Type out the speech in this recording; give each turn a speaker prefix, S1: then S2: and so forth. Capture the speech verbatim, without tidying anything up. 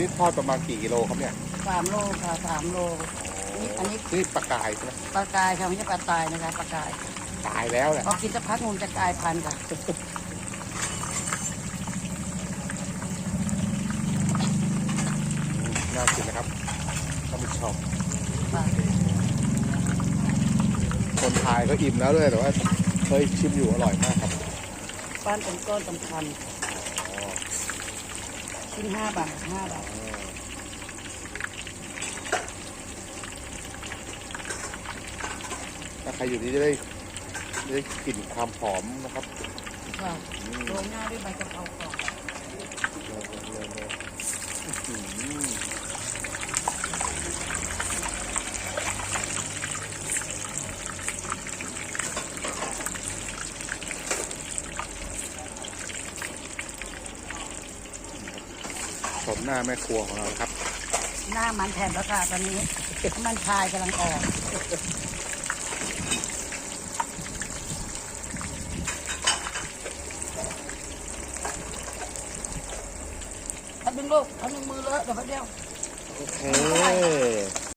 S1: นี้ทอดประมาณกี่กิโลครับเนี่ย
S2: สามโลค่ะสามโลนี่อันนี้
S1: นี่ปลากายใช่ไหม
S2: ปลากายค่ะไม่ใช่ปลาตายนะคะปลากาย
S1: ตายแล้วแหละ
S2: พอกินสักพักมันจะกลายพันธุ์ค่ะ
S1: น่ากินนะครับท่านผู้ชมคนไทยก็อิ่มแล้วด้วยแต่ว่าเคยชิมอยู่อร่อยมากครับ
S2: ป้านเป็นก้อนสำคัญชิ้นห้าบาทห้าบาท
S1: ถ้าใครอยู่นี้จะได้ได้กลิ่นความหอมนะครับ
S2: ค่ะโรยหน้าด้วยใบกะเพราก่อน
S1: ชมหน้าแม่ครัวของเราครับ
S2: หน้ามันแทนแล้วค่ะตอนนี้มันชายกำลังออกทำเป็นลูกทำเป็นมือเลอะเดี๋ยวแป๊บเดียว
S1: โอเค